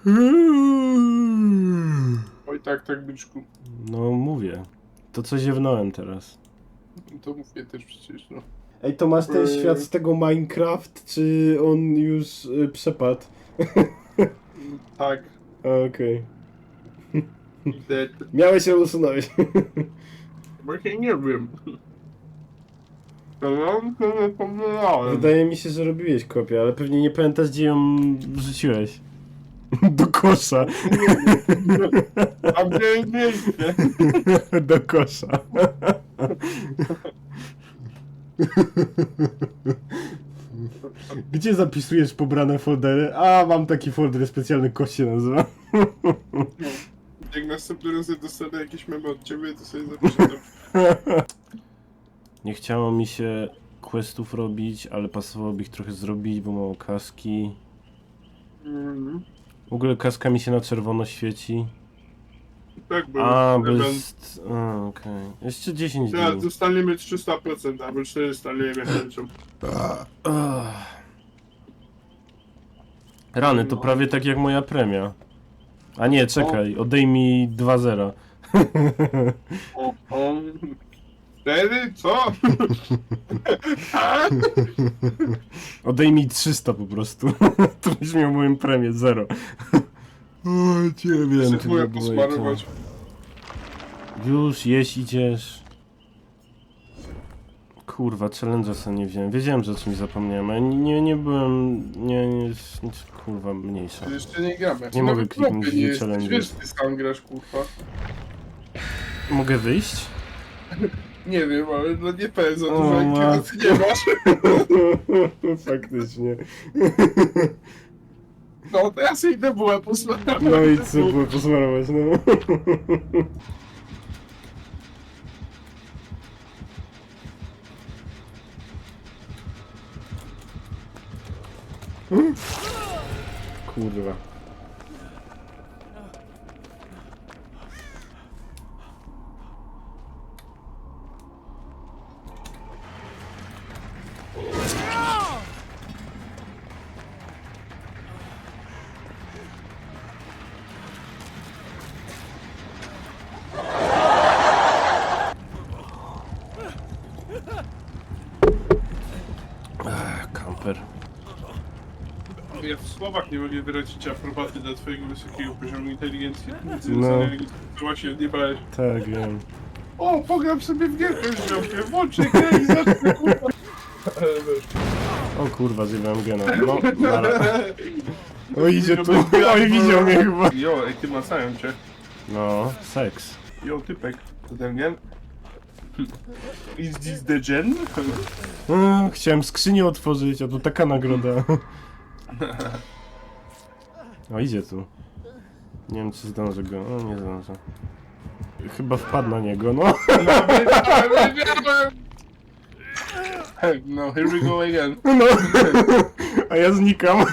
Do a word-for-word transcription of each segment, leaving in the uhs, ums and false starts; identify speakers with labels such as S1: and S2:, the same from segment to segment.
S1: Oj tak, tak, byczku.
S2: No mówię. To co ziewnąłem teraz.
S1: To mówię też przecież, no.
S2: Ej, to masz ten
S1: Eee.
S2: świat z tego Minecraft, czy on już y, przepadł?
S1: Tak.
S2: Okej.
S1: Dead.
S2: Miałeś ją usunąć.
S1: Właśnie nie wiem. To mam, to zapomniałem.
S2: Wydaje mi się, że robiłeś kopię, ale pewnie nie pamiętasz, gdzie ją wrzuciłeś. Do kosza.
S1: A gdzie jest miejsce?
S2: Do kosza. Gdzie zapisujesz pobrane foldery? A, mam taki folder specjalny, kość się nazywa.
S1: Jak następny raz dostanę jakieś memy od ciebie, to sobie zapiszę to.
S2: Nie chciało mi się questów robić, ale pasowałoby ich trochę zrobić, bo mało kaski.
S1: Mhm.
S2: W ogóle kaska mi się na czerwono świeci.
S1: Tak, bo
S2: A, bo
S1: element-
S2: jest... A, okej. Jeszcze dziesięć
S1: Ja,
S2: dni.
S1: dostaniemy trzysta procent, albo czterysta, nie wiem jak kończą.
S2: Ach. Rany, to prawie tak jak moja premia. A nie, czekaj, odejmij dwa zera.
S1: O, o. Cztery? Co? A?
S2: Odejmij trzysta po prostu. To byś miał moją premię, zero. O, cię wiem, ty
S1: Próbuję
S2: nie
S1: posmarować.
S2: Już, jeść idziesz. Kurwa, challenge'a sobie nie wziąłem. Wiedziałem, że o czymś zapomniałem, ale nie, nie, nie byłem... Nie, nie, nie, kurwa, mniejsza.
S1: Ty jeszcze nie gramy.
S2: Nie mogę kliknąć
S1: nie
S2: w
S1: jesteś,
S2: challenge.
S1: wiesz, ty sam grasz, kurwa.
S2: Mogę wyjść?
S1: Nie wiem, ale no nie powiem za
S2: O,
S1: dużo inspiracji nie masz.
S2: Faktycznie.
S1: No to ja sobie idę bułę posmarować.
S2: No i co było posmarować, no. Kurwa. Ach, kamper.
S1: Ja w słowach nie mogę wyrazić aprobaty dla twojego wysokiego poziomu inteligencji. Więc
S2: No.
S1: to właśnie nie brałeś.
S2: Tak, wiem.
S1: O, pogram sobie w gierkę z ziomkiem, włączę grę i zacznę, kurwa. Ale wiesz.
S2: O kurwa, zjebałem gena. No, nara. O, idzie tu. Oj, widział mnie chyba.
S1: Jo, ej, ty masają cię.
S2: No, seks.
S1: Jo, typek. To ten gen? Is this the gen?
S2: Mm, chciałem skrzynię otworzyć, a tu taka nagroda. O, idzie tu. Nie wiem, czy zdążę go. O, nie zdążę. Chyba wpadł na niego, no.
S1: Hey, no, here we go again.
S2: No. A ja znikam.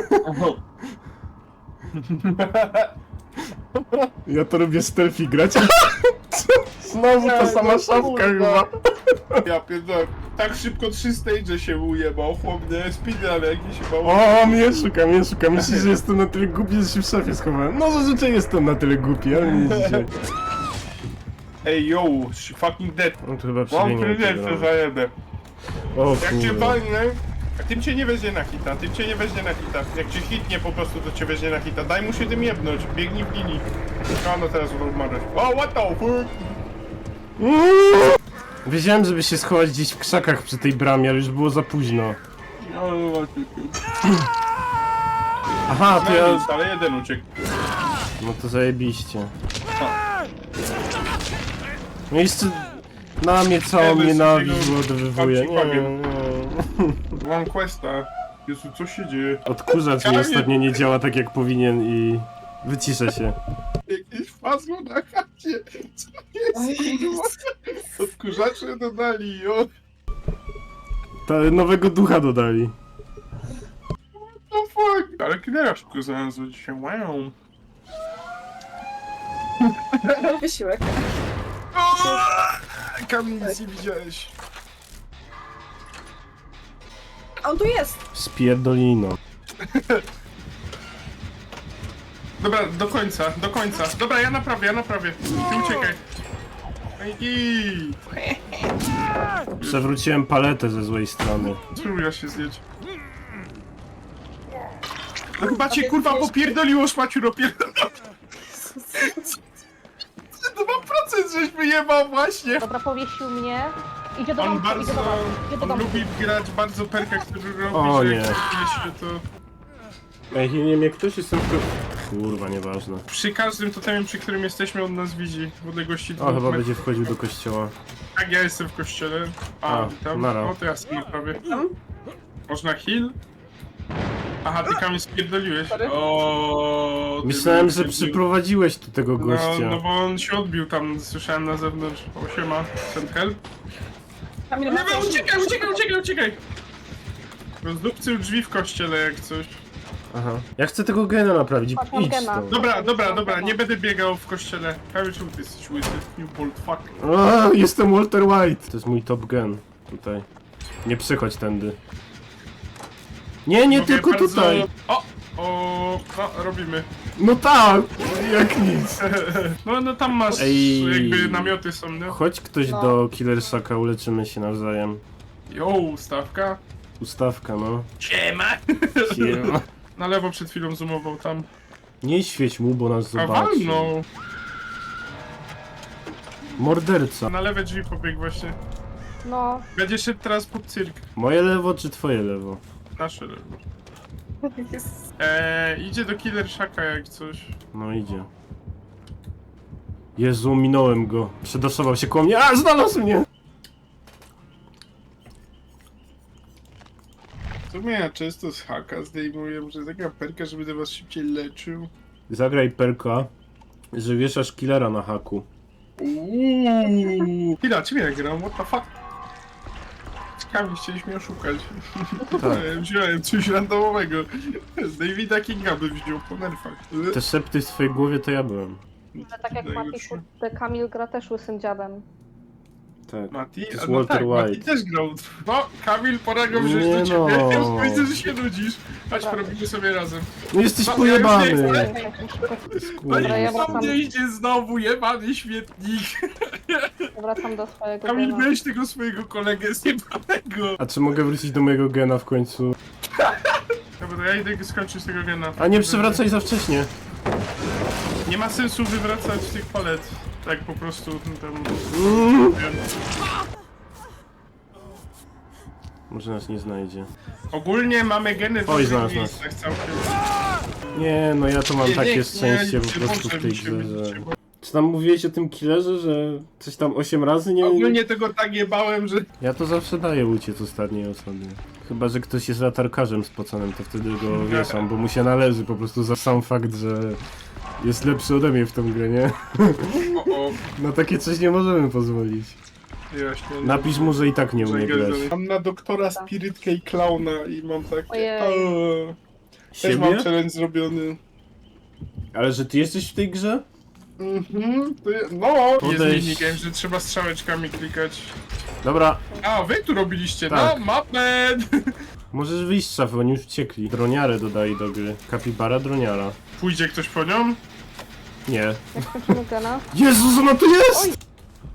S2: Ja to lubię stealthy grać. Znowu ta sama szafka chyba.
S1: Ja pierdolę, tak szybko trzy stage się ujebał, chłopnie, speedrun jakiś chyba.
S2: O, mnie szuka, mnie szuka. Myślisz, że jestem na tyle głupi, że się w szafie schowałem. No zazwyczaj jestem na tyle głupi, ale nie dzisiaj.
S1: Ej, yo, she fucking dead.
S2: No to chyba
S1: Mam
S2: przemienię.
S1: kryzys, zajebę.
S2: O
S1: Jak cię
S2: kurwa.
S1: walnę, a tym cię nie weźmie na hita, tym cię nie weźmie na hita. Jak cię hitnie po prostu, to cię weźmie na hita. Daj mu się tym jebnąć, biegnij w linii. A no teraz umarłeś. O, what the fuck?
S2: Wiedziałem, żeby się schować gdzieś w krzakach przy tej bramie, ale już było za późno.
S1: No, no właśnie.
S2: Aha, to
S1: No
S2: ja...
S1: nic, ale jeden uciekł.
S2: No to zajebiście. No i jeszcze... Na mnie całą
S1: Nie, bez
S2: nienawiść
S1: tego
S2: odwywuje. Nie,
S1: babci
S2: nie.
S1: Mam questa. Jezu, co się dzieje?
S2: Odkurzacz mi ostatnio nie działa tak jak powinien i... Wyciszę się.
S1: Jakieś fasło na chacie. Co jest? kurwa? Odkurzacze dodali, jo.
S2: Ta nowego ducha dodali.
S1: What the fuck? Ale killera szybko znalazło dzisiaj, wow.
S3: Wysiłek.
S1: Kamil, nic nie widziałeś.
S3: On tu jest!
S2: Spierdolino.
S1: Dobra, do końca, do końca. Dobra, ja naprawię, ja naprawię. Ty uciekaj. Ej,
S2: Przewróciłem paletę ze złej strony.
S1: spróbuj się zjeść. No chyba cię kurwa popierdoliło, szmaciuro pierdoliło. dwa procent żeś wyjebał właśnie.
S4: Dobra, powiesił mnie. Idzie do
S1: On
S4: domku, idzie
S1: bardzo,
S4: do domku, idzie do
S1: on
S4: domku.
S1: lubi grać bardzo perka, który robi,
S2: O,
S1: że
S2: nie.
S1: jak się to...
S2: Ej, nie wiem jak ktoś jest w Kurwa, nieważne.
S1: Przy każdym totemie, przy którym jesteśmy, on nas widzi w odległości
S2: O,
S1: dwóch
S2: chyba
S1: metrów.
S2: będzie wchodził do kościoła.
S1: Tak, ja jestem w kościele. A,
S2: A,
S1: tam.
S2: nara.
S1: O, to ja sobie prawie. Można heal? Aha, ty Kamil spierdoliłeś.
S3: Sorry.
S1: O, ty
S2: Myślałem,
S1: mnie
S2: że
S1: spierdolił.
S2: przyprowadziłeś tu tego
S1: No,
S2: gościa.
S1: no bo on się odbił tam, słyszałem na zewnątrz. O, siema, send help.
S3: Kamil,
S1: Nie,
S3: ma
S1: nie, uciekaj, uciekaj, uciekaj, uciekaj! Rozdupcył drzwi w kościele jak coś.
S2: Aha. Ja chcę tego gena naprawić.
S4: Patrz, mam
S2: Idź
S4: gena.
S2: stąd.
S1: Dobra, dobra, dobra, nie będę biegał w kościele. Kamil, czemu ty jesteś łysy? You bold fuck.
S2: A, jestem Walter White. To jest mój top gen. Tutaj. Nie przychodź tędy. Nie, nie
S1: Mogę
S2: tylko
S1: bardzo-
S2: tutaj.
S1: O! O, no, robimy.
S2: No tak, jak nic.
S1: No, no tam masz,
S2: Ej.
S1: jakby namioty są, nie?
S2: Chodź ktoś
S4: No.
S2: do Killer Shaka, uleczymy się nawzajem.
S1: Jo, stawka.
S2: Ustawka, no.
S1: Siema!
S2: Siema.
S1: Na lewo przed chwilą zoomował tam.
S2: Nie świeć mu, bo nas
S1: A
S2: zobaczy.
S1: walnął!
S2: Morderca.
S1: Na lewe drzwi pobiegł właśnie.
S4: No,
S1: Będzie szedł teraz pod cyrk.
S2: Moje lewo czy twoje lewo?
S1: Nasze lewo.
S3: Jest.
S1: Eee, idzie do Killer Shaka jak coś.
S2: No idzie. Jezu, minąłem go. Przedosował się koło mnie. A, znalazł mnie!
S1: To mnie ja często z haka zdejmuję, że taka perka, żeby do was szybciej leczył.
S2: Zagraj perka, że wieszasz killera na haku.
S1: Uuuu. Chwila, czym ja gram? What the fuck? Ciekawie, chcieliśmy mnie oszukać.
S2: Tak.
S1: Wziąłem coś randomowego. Davida Kinga by wziął po nerfach.
S2: Te szepty w twojej głowie to ja byłem.
S4: że tak jak Mati,
S1: Najlepszy.
S4: kurde, Kamil gra też łysym dziadem.
S2: Tak.
S1: Mati?
S2: To jest
S1: A no
S2: Walter
S1: tak, Mati
S2: White.
S1: też grał. No, Kamil, pora go wziąć
S2: Nie
S1: do ciebie.
S2: no.
S1: Ja widzę, że się nudzisz. Chodź,
S4: Dobra.
S1: porobimy sobie razem.
S2: No jesteś
S1: No, ja
S2: pojebany!
S1: już nie chcę.
S2: Kurwa.
S4: Dobra, ja
S1: No i
S4: wracam.
S1: tam nie idzie znowu, jebany śmietnik.
S4: Wracam do swojego
S1: Kamil,
S4: gena.
S1: weź tego swojego kolegę zjebanego.
S2: A czy mogę wrócić do mojego gena w końcu?
S1: Dobra, ja idę skończyć tego gena.
S2: A nie przywracaj za wcześnie.
S1: Nie ma sensu wywracać tych palet. Tak po prostu no tam...
S2: Mm.
S1: Wiem.
S2: Może nas nie znajdzie.
S1: Ogólnie mamy geny w
S2: Oj,
S1: różnych
S2: znalazł nas.
S1: miejscach całkiem.
S2: Nie, no ja to mam
S1: Nie,
S2: takie
S1: nie,
S2: szczęście
S1: nie,
S2: po
S1: nie
S2: prostu w
S1: może
S2: tej
S1: mi się
S2: grze,
S1: być,
S2: że...
S1: nie
S2: Czy tam mówiłeś o tym killerze, że coś tam osiem razy nie...
S1: Ogólnie tego tak jebałem, że...
S2: Ja to zawsze daję uciec ostatniej osobie. Chyba, że ktoś jest latarkarzem spoconym, to wtedy go wieszam, bo mu się należy po prostu za sam fakt, że jest lepszy ode mnie w tą grę, nie?
S1: O, o,
S2: Na takie coś nie możemy pozwolić.
S1: jaśnie.
S2: Napisz mu, że i tak nie umie grać.
S1: Mam na doktora spirytkę i klauna i mam takie...
S4: Ojej.
S1: O, też mam
S2: Siebie?
S1: challenge zrobiony.
S2: Ale że ty jesteś w tej grze?
S1: Mhm, to je, no! Jest
S2: Podejść.
S1: minigame, że trzeba strzałeczkami klikać.
S2: Dobra,
S1: A, wy tu robiliście,
S2: Tak.
S1: no, mapę!
S2: możesz wyjść z szafy, oni już uciekli. Droniarę dodaj do gry. Kapibara, droniara.
S1: Pójdzie ktoś po nią?
S2: Nie.
S4: Jak skończymy gena?
S2: Jezus, ona tu jest!
S4: Dzięki.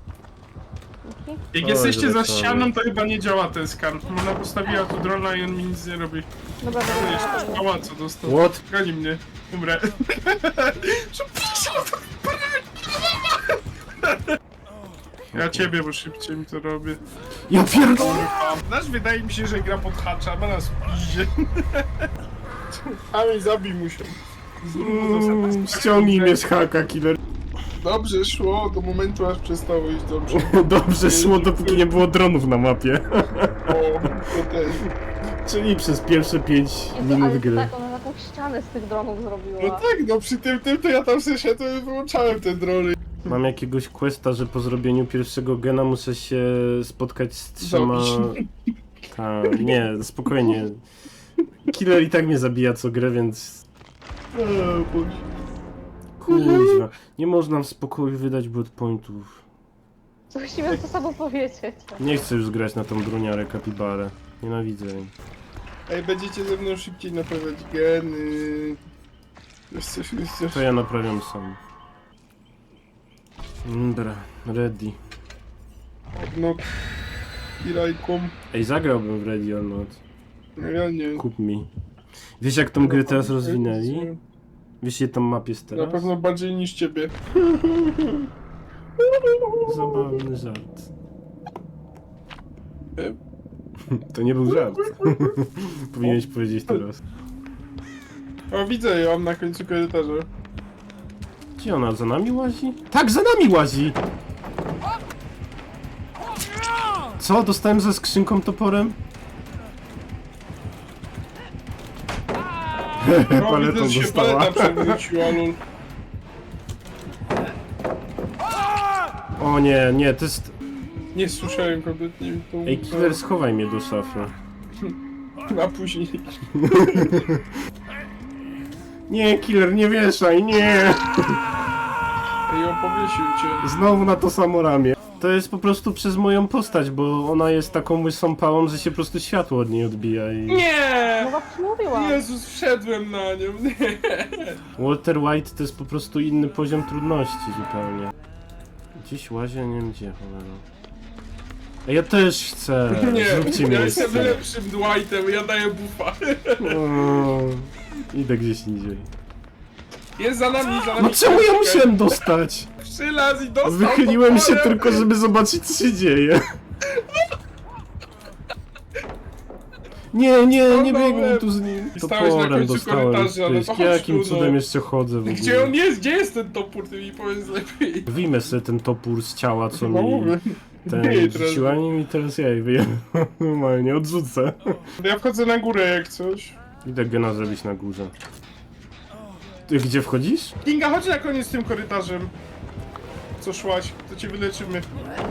S1: Jak
S2: Oj,
S1: jesteście za
S2: zobaczamy.
S1: ścianą, to chyba nie działa ten skan. Ona postawiła tu drona i on mi nic nie robi.
S4: Dobra,
S1: To
S4: dobra,
S1: jeszcze
S4: dobra.
S1: pała co dostał.
S2: What?
S1: Goni mnie. Umrę. Przepraszam. Ja ciebie, bo szybciej mi to robię.
S2: Ja pierdolę!
S1: Nasz wydaje mi się, że gra pod hacza, ma nas w piździe. A mi zabij mu się.
S2: Mm, ściągnij mnie z haka, killer.
S1: Dobrze szło do momentu, aż przestało iść dobrze.
S2: Dobrze szło, dopóki nie było dronów na mapie.
S1: O, to też.
S2: Czyli przez pierwsze pięć
S4: Jezu,
S2: minut
S4: ale
S2: gry.
S4: tak, ona taką ścianę z tych dronów zrobiła.
S1: No tak, no przy tym, tym to ja tam sobie szedłem i wyłączałem te drony.
S2: Mam jakiegoś questa, że po zrobieniu pierwszego gena muszę się spotkać z trzema...
S1: Zabić.
S2: Ta, nie, spokojnie. Killer i tak mnie zabija co grę, więc...
S1: O, Boże.
S2: Kurwa, nie można w spokoju wydać blood pointów.
S4: Musimy to samo powiedzieć.
S2: Nie chcę już grać na tą droniarę kapibarę. Nienawidzę jej.
S1: Ej, będziecie ze mną szybciej naprawiać geny. Jest coś, jest coś.
S2: To ja naprawiam sam. Dobra, ready.
S1: No. I rajką.
S2: Ej, zagrałbym w Ready or Not.
S1: No ja nie.
S2: Kup mi. Wiesz jak tą grę teraz rozwinęli? Wiesz ile tam map jest
S1: Na
S2: teraz?
S1: pewno bardziej niż ciebie.
S2: Zabawny żart.
S1: E,
S2: To nie był żart. Powinieneś powiedzieć teraz.
S1: O, widzę ją na końcu korytarza.
S2: Gdzie ona? Za nami łazi? Tak, za nami łazi! Co? Dostałem ze skrzynką toporem?
S1: O,
S2: Paletą
S1: widzę, że się
S2: dostała.
S1: paleta przewróciła, lol.
S2: O nie, nie, to jest...
S1: Nie słyszałem kompletnie tą...
S2: Ej, killer, schowaj mnie do szafy.
S1: A później...
S2: Nie, killer, nie wieszaj, nie!
S1: Ej, opowiesił cię.
S2: Znowu na to samo ramię. To jest po prostu przez moją postać, bo ona jest taką łysą pałą, że się po prostu światło od niej odbija i...
S1: Nie!
S4: No właśnie mówiłam.
S1: Jezus, wszedłem na nią, nie!
S2: Walter White to jest po prostu inny poziom trudności zupełnie. Gdzieś łazię, nie wiem gdzie, cholera. Ej, ja też chcę,
S1: Nie,
S2: zróbcie
S1: ja
S2: miejsce.
S1: jestem lepszym Dwightem, ja daję bufa.
S2: O, idę gdzieś indziej.
S1: Jest za nami, za nami.
S2: No czemu ja musiałem dostać?
S1: Przylaz i dostał
S2: Wychyliłem się
S1: toporem.
S2: tylko, żeby zobaczyć co się dzieje. Nie, nie, nie biegnij tu z nim.
S1: I stałeś na
S2: Toporem
S1: końcu
S2: dostałem.
S1: korytarza, ale
S2: Pysk.
S1: to chodź
S2: Jakim
S1: tu, no.
S2: cudem jeszcze chodzę w ogóle?
S1: Gdzie on jest? Gdzie jest ten topór? Ty mi powiedz lepiej.
S2: Wyjmę sobie ten topór z ciała, co
S1: No
S2: mi
S1: mówię.
S2: ten
S1: Nie, teraz-
S2: rzuciła nim i teraz ja jej wyjdę. Normalnie, odrzucę.
S1: Ja wchodzę na górę jak coś.
S2: Idę gena zrobić na górze. Ty gdzie wchodzisz?
S1: Kinga, chodź na koniec tym korytarzem. Co szłaś? To cię wyleczymy.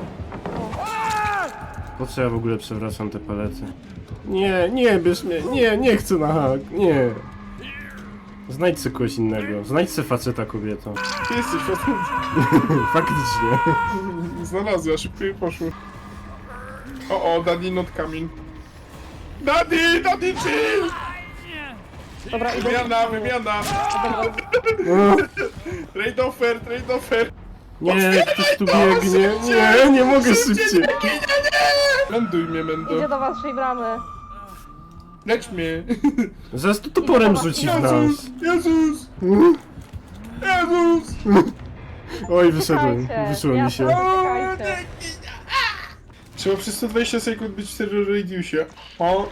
S2: Po co ja w ogóle przewracam te palety? Nie, nie, bierz mnie, nie, nie chcę na hak, nie. Znajdź sobie kogoś innego, znajdź sobie faceta kobieto.
S1: Ty jesteś facet.
S2: Faktycznie.
S1: Znalazła, szybko jej poszło. O, o, daddy not coming. Daddy, daddy chill!
S4: Dobra, idę.
S1: Wymiana, wymiana!
S2: O,
S1: Trade offer, trade offer!
S2: nie, ktoś tu biegnie, nie, nie mogę szybciej.
S1: Ląduj mnie, Mendo.
S4: Idzie do waszej bramy.
S1: Lecz mnie.
S2: Zaraz tu toporem rzuci w nas.
S1: Jezus, Jezus, Jezus!
S2: Oj, wyszedłem,
S4: Czekajcie,
S2: wyszło mi się.
S4: jasne, czekajcie.
S1: Trzeba przez sto dwadzieścia sekund być w terror radiusie. O,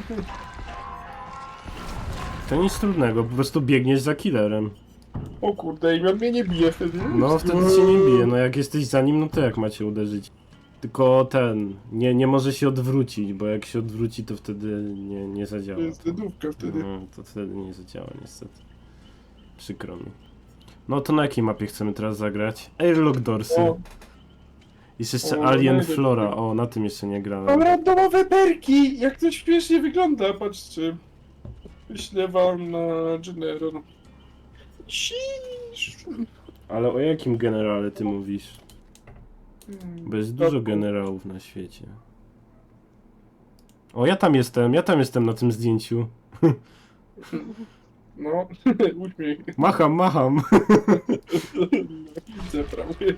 S2: To nic trudnego, po prostu biegniesz za killerem.
S1: o kurde, i on mnie nie bije wtedy.
S2: No wtedy cię nie bije, no jak jesteś za nim, no to jak macie uderzyć? Tylko ten, nie, nie może się odwrócić, bo jak się odwróci, to wtedy nie, nie zadziała.
S1: To jest dedówka wtedy.
S2: No, to wtedy nie zadziała niestety. Przykro mi. No to na jakiej mapie chcemy teraz zagrać? Airlock Doorsy.
S1: O,
S2: Jest jeszcze
S1: o,
S2: Alien
S1: najlepiej.
S2: Flora, o na tym jeszcze nie grałem.
S1: mam randomowe perki! Jak to śmiesznie wygląda, patrzcie. Wyślę wam na General. Ciii.
S2: Ale o jakim generale ty mówisz? Bo jest dużo generałów na świecie. O, ja tam jestem, ja tam jestem na tym zdjęciu.
S1: No, uśmiech.
S2: Macham, macham.
S1: Widzę prawie.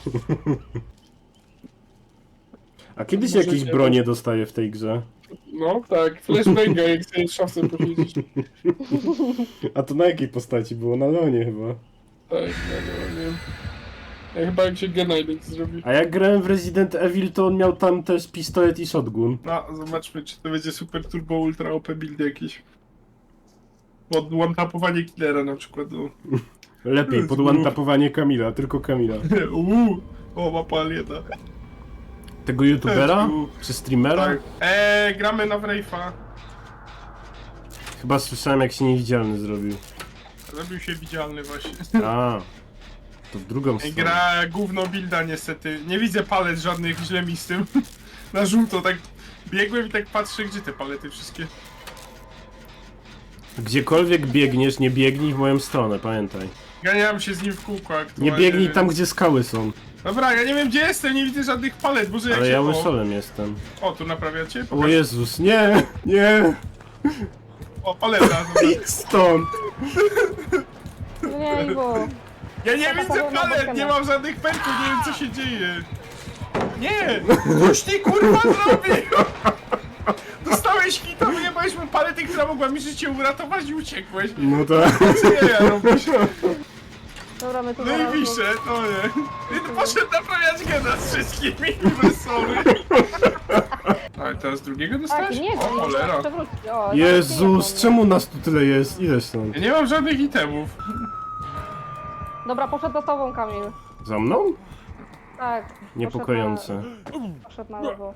S2: A kiedy się
S1: Możecie-
S2: jakieś bronie dostaje w tej grze?
S1: No tak, flashbanga jak sobie w szafce posiedzisz.
S2: A to na jakiej postaci było? Na Leonie chyba.
S1: Tak, no, no, nie wiem. Ja chyba jak się Genailex zrobi.
S2: A jak grałem w Resident Evil, to on miał tam też pistolet i shotgun.
S1: No, zobaczmy, czy to będzie super turbo ultra O P build jakiś. Od one-tapowanie killera na przykład. No.
S2: Lepiej, pod one-tapowanie Kamila, tylko Kamila.
S1: Uuu, o, mapa aliena.
S2: Tego youtubera?
S1: Eee,
S2: Czy streamera?
S1: Tak. Eee, gramy na Wraith'a.
S2: Chyba słyszałem jak się niewidzialny zrobił.
S1: Zrobił się widzialny właśnie.
S2: A, to w drugą stronę.
S1: Gra gówno builda niestety. Nie widzę palet żadnych, źle mi z tym. Na żółto tak biegłem i tak patrzę, gdzie te palety wszystkie.
S2: Gdziekolwiek biegniesz, nie biegnij w moją stronę, pamiętaj.
S1: Ganiałem się z nim w kółko
S2: Nie
S1: aktualnie.
S2: biegnij tam, gdzie skały są.
S1: Dobra, ja nie wiem gdzie jestem, nie widzę żadnych palet, może jak
S2: Ale
S1: się...
S2: ja
S1: o,
S2: łysolem jestem.
S1: o, tu naprawiacie?
S2: O
S1: Pokaż.
S2: Jezus, nie, nie,
S1: O, paleta, dobra.
S2: idź stąd.
S4: No Nie, Iwo.
S1: Ja nie
S4: Taka
S1: widzę
S4: powolna
S1: palet,
S4: bokiem.
S1: nie mam żadnych perków, nie wiem co się dzieje. Nie! Coś ty kurwa zrobił! Dostałeś hita, wyjebałeś mu paletę, która mogła mi życie uratować i uciekłeś.
S2: No tak.
S1: Co ja robisz?
S4: Dobra, my tu
S1: No
S4: zaraz-
S1: i pisze, no nie. I poszedł naprawiać gena z wszystkimi, sorry. Ale teraz drugiego
S4: Tak,
S1: dostałeś?
S4: nie,
S1: O
S4: go nie
S1: cholera.
S4: przewrócić. O,
S2: Jezus,
S4: nie,
S2: czemu nas tu tyle jest? Ile stąd?
S1: Ja nie mam żadnych itemów.
S4: Dobra, poszedł za tobą, Kamil.
S2: Za mną?
S4: Tak. poszedł
S2: Niepokojące.
S4: Na, poszedł na lewo.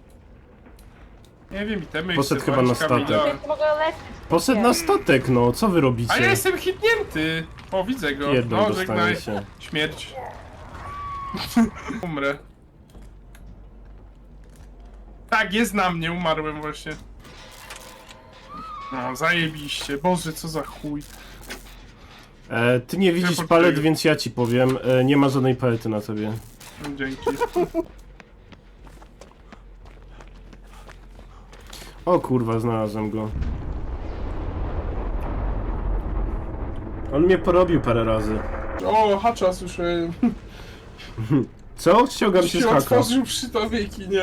S1: Nie wiem, itemy
S2: Poszedł
S1: chcę
S2: chyba na
S1: walić Kamila.
S2: statek.
S4: Nie mogę leczyć.
S2: Poszedł na statek, no, co wy
S1: A ja
S2: robicie?
S1: jestem hitnięty! O, widzę go.
S2: Jedną
S1: No,
S2: dostanie
S1: żegnaj.
S2: się.
S1: Śmierć. Umrę. Tak, jest na mnie, umarłem właśnie. No, zajebiście. Boże, co za chuj.
S2: E, ty nie widzisz
S1: Teleportuję.
S2: palet, więc ja ci powiem. E, nie ma żadnej palety na tobie.
S1: No, dzięki.
S2: O kurwa, znalazłem go. On mnie porobił parę razy.
S1: O, hacza słyszałem.
S2: Co? Ściągam się z
S1: Się
S2: haka.
S1: otworzył przy tobie kinie.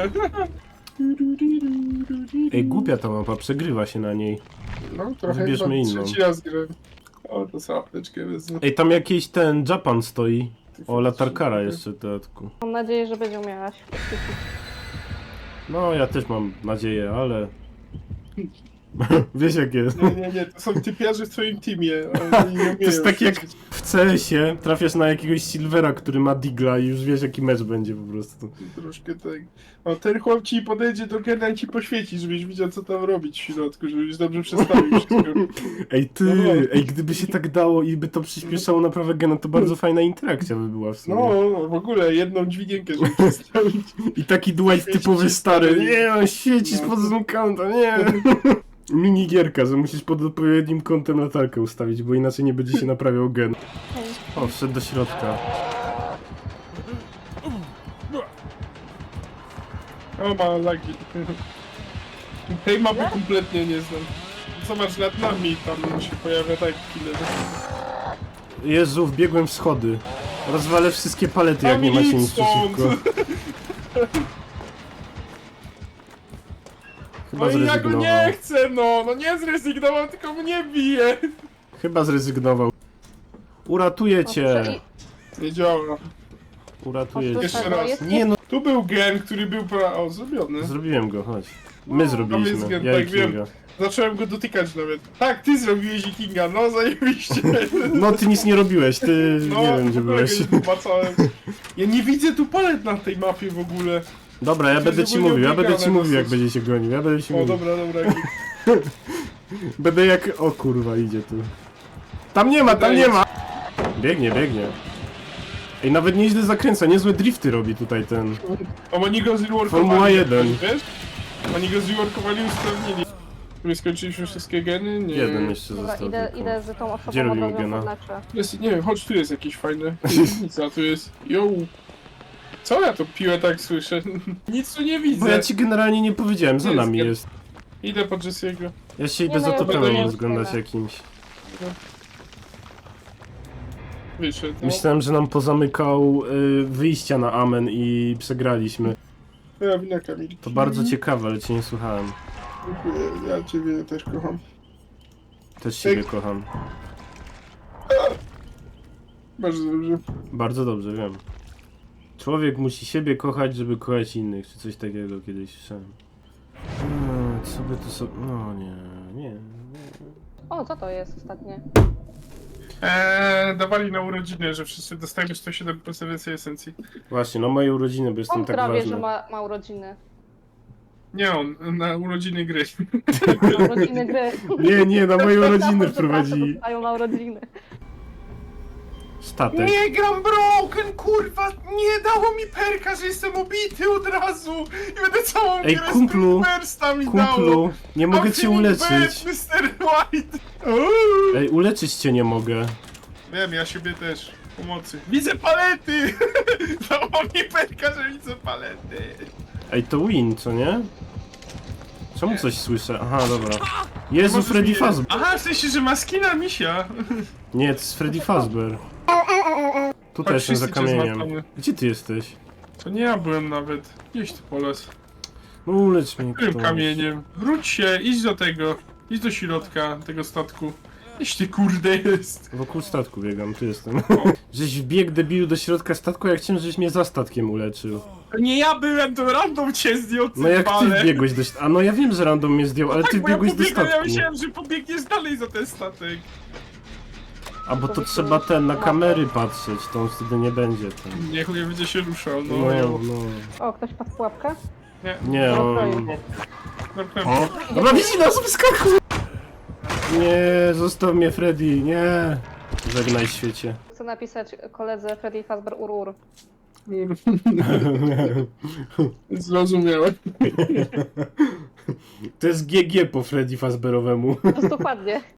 S2: Ej, głupia ta mapa, przegrywa się na niej.
S1: No, trochę
S2: Wybierzmy
S1: chyba
S2: inną.
S1: trzeci raz grę. O, to sobie apteczkę wezmę.
S2: Ej, tam jakiś ten Japan stoi. O, latarkara jeszcze w dodatku.
S4: Mam nadzieję, że będzie umiała świecić.
S2: No, ja też mam nadzieję, ale... Wiesz jak jest.
S1: Nie, nie, nie, to są typiarze w twoim teamie. ale oni nie
S2: To jest
S1: umieją
S2: tak jak
S1: świecić.
S2: w C S ie trafiasz na jakiegoś Silvera, który ma digla i już wiesz jaki mecz będzie po prostu.
S1: Troszkę tak. O, ten chłop ci podejdzie do gena i ci poświeci, żebyś widział co tam robić w środku, żebyś dobrze przestawił wszystko.
S2: Ej ty,
S1: No.
S2: ej gdyby się tak dało i by to przyspieszało naprawę gena, to bardzo fajna interakcja by była w sumie.
S1: No, w ogóle jedną dźwigienkę, żeby przestawić.
S2: I taki Dwight
S1: Świeci
S2: typowy
S1: się
S2: stary,
S1: stary.
S2: nie on świeci
S1: No.
S2: spod zoom counta, nie. Minigierka, że musisz pod odpowiednim kątem latarkę ustawić, bo inaczej nie będzie się naprawiał gen. O, wszedł do środka.
S1: O, ma lagi. Tej mapy kompletnie nie znam. Zobacz, nad nami tam się pojawia tak killer.
S2: Jezu, wbiegłem w schody. Rozwalę wszystkie palety, jak nie macie nic przeciwko. Chyba
S1: No i ja go
S2: zrezygnował.
S1: nie chcę, no! No nie zrezygnował, tylko mnie bije!
S2: Chyba zrezygnował. Uratuję
S4: O,
S2: cię.
S4: i-
S1: Nie działa.
S2: Uratuję
S4: o,
S2: cię.
S1: Jeszcze
S4: tego
S1: raz.
S4: jest-
S2: Nie no,
S1: Tu był gen, który był pra... O, zrobiony.
S2: zrobiłem go, chodź. My
S1: jest
S2: zrobiliśmy,
S1: gen,
S2: ja i
S1: tak wiem.
S2: Kinga.
S1: Zacząłem go dotykać nawet. Tak, ty zrobiłeś i Kinga, no zajebiście.
S2: No ty nic nie robiłeś, ty
S1: No,
S2: nie wiem gdzie
S1: w ogóle
S2: byłeś.
S1: go nie zobaczyłem. Ja nie widzę tu palet na tej mapie w ogóle.
S2: Dobra, ja
S1: To
S2: będę
S1: jest
S2: ci
S1: ogólnie
S2: mówił, ja będę ci
S1: obiegane
S2: mówił jak
S1: dosyć.
S2: będzie się gonił, ja będę ci
S1: O,
S2: mówił.
S1: dobra, dobra.
S2: Będę jak... O kurwa, idzie tu. Tam nie ma, tam
S1: Wydaje
S2: nie
S1: ci-
S2: ma! Biegnie, biegnie. Ej, nawet nieźle zakręca, niezłe drifty robi tutaj ten.
S1: O, oni go zreworkowali.
S2: Formuła jeden.
S1: Wiesz? Oni go zreworkowali i usprawnili. My skończyliśmy wszystkie geny? Nie.
S2: Jeden jeszcze
S4: Dobra,
S2: został
S4: idę,
S2: tylko.
S4: idę z tą osobą
S2: Gdzie
S4: od
S2: robimy
S4: razu
S2: gena?
S4: podleczę.
S1: Jest, nie wiem, chodź tu jest jakieś fajne. Nic, a tu jest. Yo. Co ja to piłę tak słyszę? Nic tu nie widzę.
S2: Bo ja ci generalnie nie powiedziałem, za
S1: Jest
S2: nami
S1: gen.
S2: jest.
S1: Idę po Jesse'ego.
S2: Ja się
S4: Nie
S2: idę
S4: no,
S2: za
S4: ja
S2: totemem
S1: będę
S2: rozglądać
S4: miał
S2: jakimś.
S1: Wyszedł. No.
S2: Myślałem, że nam pozamykał y, wyjścia na Amen i przegraliśmy.
S1: Ja wina Kamil.
S2: To bardzo ciekawe, ale cię nie słuchałem.
S1: Dziękuję, ja ciebie też kocham.
S2: Też siebie kocham.
S1: Bardzo dobrze.
S2: Bardzo dobrze, wiem. Człowiek musi siebie kochać, żeby kochać innych, czy coś takiego kiedyś słyszałem. Hmm, co by to sobie... No nie, nie.
S4: O, co to jest ostatnie?
S1: Eee, dawali na urodziny, że wszyscy dostajemy sto siedem procent więcej esencji.
S2: Właśnie, no moje urodziny, bo jestem
S4: On
S2: tak
S4: prawie, że
S2: ważny.
S4: ma, ma urodziny.
S1: Nie on, na urodziny gry.
S4: Ma urodziny gry.
S2: Nie, nie, na moje urodziny
S4: Przepraszam,
S2: wprowadzili
S4: dostają na urodziny.
S2: statek.
S1: Nie gram broken, kurwa! Nie dało mi perka, że jestem obity od razu! I będę całą
S2: Ej,
S1: grę
S2: kumplu,
S1: z bursta mi dało!
S2: Kumplu, nie mogę
S1: I'm
S2: cię
S1: feeling
S2: uleczyć.
S1: bad, mister White! Uuu.
S2: Ej, uleczyć cię nie mogę.
S1: Wiem, ja siebie też. Pomocy. Widzę palety! Dało mi perka, że widzę palety.
S2: Ej, to win, co nie? Czemu coś słyszę? Aha, dobra. Jezu,
S1: Możesz
S2: Freddy
S1: mi-
S2: Fazbear.
S1: Aha, w sensie, że ma skina misia.
S2: Nie, to jest Freddy Fazbear. Tutaj
S1: Chodź,
S2: jestem za
S1: wszyscy cię
S2: kamieniem.
S1: złapamy.
S2: Gdzie ty jesteś?
S1: To nie ja byłem nawet. Gdzieś tu poles.
S2: No ulecz mnie
S1: Którym
S2: ktoś.
S1: kamieniem? Wróć się, idź do tego. Idź do środka tego statku. Gdzieś ty kurde jest.
S2: Wokół statku biegam, tu jestem. Żeś wbiegł debilu do środka statku, jak chciałem, żeś mnie za statkiem uleczył.
S1: To nie ja byłem, to random cię zdjął,
S2: No jak ty
S1: cymbale.
S2: wbiegłeś do statku? A no ja wiem, że random mnie zdjął, ale ty
S1: Tak, bo ja
S2: wbiegłeś do
S1: pobiegłem, ja
S2: statku.
S1: myślałem, że pobiegniesz dalej za ten statek.
S2: A bo to trzeba ten, na kamery patrzeć, to on wtedy nie będzie ten.
S1: Niech nie będzie się ruszał, no.
S2: No,
S1: jo.
S2: no.
S4: O, ktoś padł w pułapkę?
S1: Nie,
S2: Nie, on...
S1: zamknąłem.
S2: Dobra, widzi nas, wyskakuj! Nie, zostaw mnie Freddy, nie. Żegnaj świecie.
S4: Chcę napisać koledze Freddy Fazbear Urur.
S1: Zrozumiałem.
S2: To jest G G po Freddy Fazbearowemu.
S4: To jest dokładnie.